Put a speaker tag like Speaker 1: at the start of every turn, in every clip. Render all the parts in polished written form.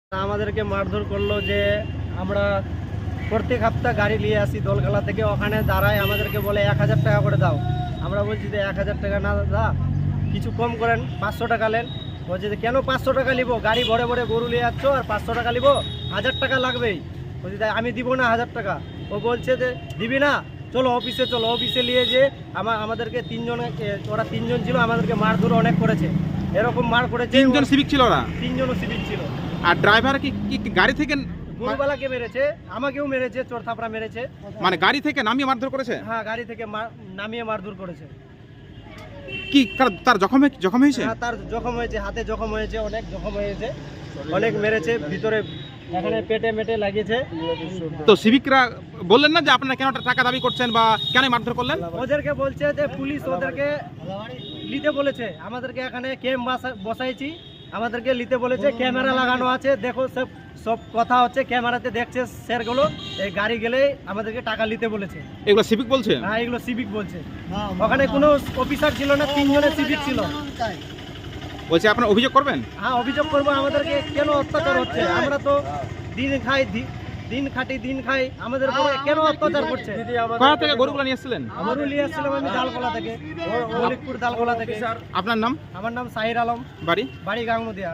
Speaker 1: আমাদেরকে মারধর করলো যে আমরা প্রত্যেক সপ্তাহ গাড়ি নিয়ে আসি দোলখালা থেকে, ওখানে দাঁড়ায় আমাদেরকে বলে 1000 টাকা করে দাও। আমরা বলছি যে 1000 টাকা না দাদা, কিছু কম করেন, 500 টাকা নেন। বলছে যে কেন 500 টাকা নিবো, গাড়ি ভরে ভরে গরু নিয়ে যাচ্ছ আর 500 টাকা নিবো, 1000 টাকা লাগবেই। বলছি তাই আমি দিব না 1000 টাকা। ও বলছে যে দিবি না, চলো অফিসে চলো। অফিসে নিয়ে যে আমাদেরকে ওরা তিনজন ছিল, আমাদেরকে মারধর অনেক করেছে। এরকম মার করেছে।
Speaker 2: তিনজন সিভিক ছিল ওরা?
Speaker 1: তিনজনও সিভিক ছিল।
Speaker 2: আর ড্রাইভার কি গাড়ি থেকে
Speaker 1: গরুবালাকে মেরেছে, আমাকেও মেরেছে, চোর থাপড়া মেরেছে।
Speaker 2: মানে গাড়ি থেকে নামিয়ে মারধর করেছে?
Speaker 1: হ্যাঁ, গাড়ি থেকে নামিয়ে মারধর করেছে।
Speaker 2: কি তার জখম হয়েছে?
Speaker 1: হ্যাঁ, তার জখম হয়েছে, হাতে জখম হয়েছে, অনেক জখম হয়েছে, অনেক মেরেছে, ভিতরে এখানে পেটে মেটে লাগিয়েছে।
Speaker 2: তো সিভিকরা বললেন না যে আপনারা কেন টাকা দাবি করছেন বা কেন মারধর করলেন?
Speaker 1: ওদেরকে বলছে যে পুলিশ ওদেরকে নিতে বলেছে, আমাদেরকে এখানে ক্যাম্প বসাইছি, আমাদেরকে নিতে বলেছে, ক্যামেরা লাগানো আছে, দেখো সব কথা হচ্ছে, ক্যামেরাতে দেখছে স্যারগুলো। এই গাড়ি গেলে আমাদেরকে টাকা নিতে বলেছে।
Speaker 2: এগুলো সিভিক বলছে?
Speaker 1: হ্যাঁ, এগুলো সিভিক বলছে। ওখানে কোনো অফিসার ছিল না, তিনজনের সিভিক ছিল।
Speaker 2: বলছে আপনারা অভিযোগ করবেন?
Speaker 1: হ্যাঁ, অভিযোগ করবো। আমাদেরকে কেন অত্যাচার হচ্ছে? আমরা তো দিন খাই, আমাদের উপরে কেন অত্যাচার করছে?
Speaker 2: কোথা থেকে গরুগুলো নিয়ে এসেছিলেন?
Speaker 1: গরু নিয়ে আসছিলাম আমি দালকোলা থেকে, মলিকপুর দালকোলা থেকে।
Speaker 2: আপনার নাম?
Speaker 1: আমার নাম সাহির আলম। বাড়ি গাংনদিয়া।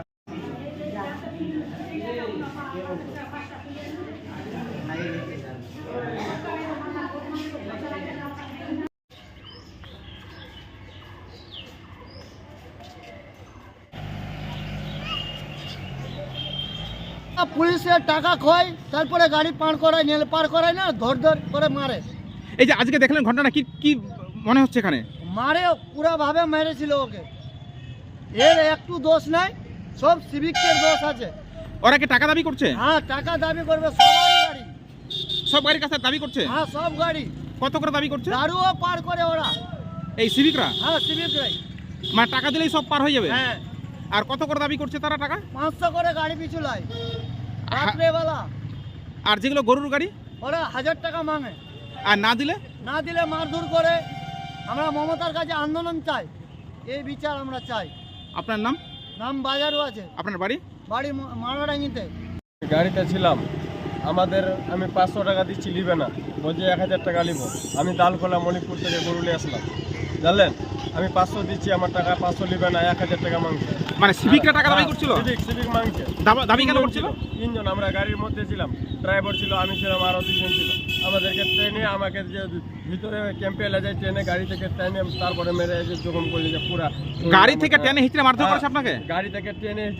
Speaker 3: পুলিশের টাকা খোয়, তারপরে গাড়ি পার করায় না, ধর করে মারে।
Speaker 2: এই যে আজকে দেখলেন ঘটনা, কি মনে হচ্ছে? এখানে
Speaker 3: মারে পুরা ভাবে মেরেছিল ওকে। এর একটু দোষ নাই, সব সিভিকের দোষ আছে।
Speaker 2: ওরা কি টাকা দাবি করছে?
Speaker 3: হ্যাঁ, টাকা দাবি করবে, সবারই গাড়ি,
Speaker 2: সব গাড়ির কাছে দাবি করছে?
Speaker 3: হ্যাঁ, সব গাড়ি।
Speaker 2: কত করে দাবি করছে?
Speaker 3: দারুও পার করে ওরা,
Speaker 2: এই সিভিকরা?
Speaker 3: হ্যাঁ, সিভিকরাই।
Speaker 2: মানে টাকা দিলেই সব পার হয়ে যাবে?
Speaker 3: হ্যাঁ।
Speaker 2: আর কত করে দাবি করছে তারা টাকা?
Speaker 3: 500 করে গাড়ি পিছু লাই রাত্রেবেলা।
Speaker 2: আর যেগুলো গরুর গাড়ি
Speaker 3: ওরা 1000 টাকা মাঙে।
Speaker 2: আর না দিলে
Speaker 3: মারধর করে। আমরা মমতার কাছে আন্দোলন চাই, এই বিচার আমরা চাই।
Speaker 2: আপনার নাম?
Speaker 3: বাজারও আছে।
Speaker 2: আপনার বাড়ি?
Speaker 3: মারাডাঙ্গিতে।
Speaker 1: গাড়িতে ছিলাম, আমি 500 টাকা দিচ্ছি, নিবে না, বলছে 1000 টাকা নিব। আমি দালকোলা মলিকপুর থেকে গরু নিয়ে আসলাম, জানলেন। আমি 500 দিচ্ছি, আমার টাকা 500 নিবে না, 1000 টাকা মাংছে।
Speaker 2: মানে সিভিকরা টাকা দাবি করছিল?
Speaker 1: সিভিক মাংছে।
Speaker 2: দাবি কেন করছিল?
Speaker 1: তিনজন, আমরা গাড়ির মধ্যে ছিলাম, ড্রাইভার ছিল, আমি ছিলাম, আরো 2 জন ছিল। আমাদেরকে ট্রেনে, আমাকে যে ভিতরে ক্যাম্পে এলে যায়, ট্রেনে গাড়ি থেকে ট্রেনে তারপরে মেরে এসে জখম করলে, যে পুরা
Speaker 2: গাড়ি থেকে ট্রেনে হিচড়ে মারধর করেছে আপনাকে?
Speaker 1: গাড়ি থেকে ট্রেনে এসে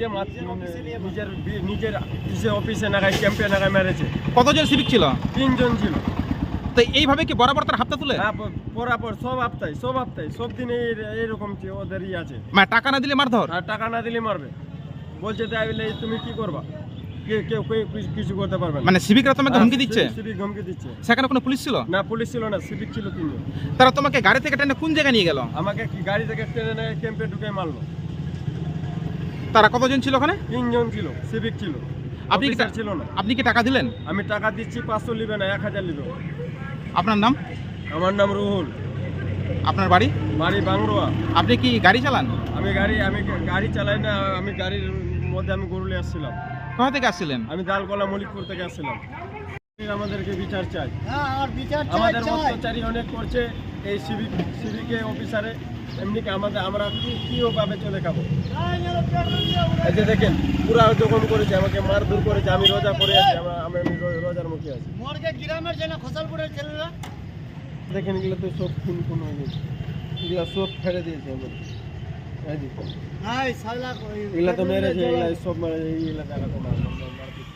Speaker 1: নিজের অফিসে নাগায়, ক্যাম্পে নাগায় মেরেছে।
Speaker 2: কতজন সিভিক ছিল?
Speaker 1: 3 জন ছিল।
Speaker 2: তো এইভাবে কি বরাবর তার হাতটা তুলে?
Speaker 1: হ্যাঁ, পরাপর সব হপ্তায় সব দিনে এইরকম ওদেরই আছে।
Speaker 2: মানে টাকা না দিলে মারধর?
Speaker 1: আর টাকা না দিলে মারবে। বলছে তাই বলে তুমি কি করবা, কেউ কিছু করতে পারবে না।
Speaker 2: মানে সিভিকরা তোমাকে হুমকি দিচ্ছে?
Speaker 1: সিভিক হুমকি দিচ্ছে।
Speaker 2: সেখানে কোনো পুলিশ ছিল
Speaker 1: না? পুলিশ ছিল না, সিভিক ছিল 3 জন।
Speaker 2: তারা তোমাকে গাড়ি থেকে টেনে কোন জায়গায় নিয়ে গেল?
Speaker 1: আমাকে গাড়ি থেকে টেনে ক্যাম্পে ঢুকে মারলো।
Speaker 2: তারা কতজন ছিল ওখানে?
Speaker 1: 3 জন ছিল, সিভিক ছিল, ছিল না।
Speaker 2: আপনি কি টাকা দিলেন?
Speaker 1: আমি টাকা দিচ্ছি, 500 নিবে না, 1000 নিবে।
Speaker 2: আপনার নাম?
Speaker 1: আমার নাম রুহুল।
Speaker 2: আপনার বাড়ি?
Speaker 1: বাড়ি বাংরোয়া।
Speaker 2: আপনি কি গাড়ি চালান?
Speaker 1: আমি গাড়ি চালাই না, আমি গাড়ির মধ্যে আমি গরু নিয়ে আসছিলাম।
Speaker 2: কোথা থেকে আসছিলেন?
Speaker 1: আমি দালকোলা মলিকপুর থেকে আসছিলাম। আমাদেরকে বিচার চাই।
Speaker 3: হ্যাঁ, আর বিচার চাই।
Speaker 1: আমাদের অত্যাচারী অনেক করছে এই সিভিকে অফিসারে। এমনি কি আমরা কিভাবে চলে খাবো? এই যে দেখেন, পুরা জখম করেছে, আমাকে মারধর করেছে। আমি রোজা করে আছি, আমি রোজার মুখে আছি।
Speaker 3: মোরগে গ্রামের জন্য খোসালপুরের ছেলেরা
Speaker 1: দেখেন, এগুলো তো সব খুন হয়ে গেছে, এগুলো সব ফেলে দিয়েছে আমাদের। এগুলো তো মেরেছে, এগুলো সব মারে, এইগুলো জায়গা তো মারপিট।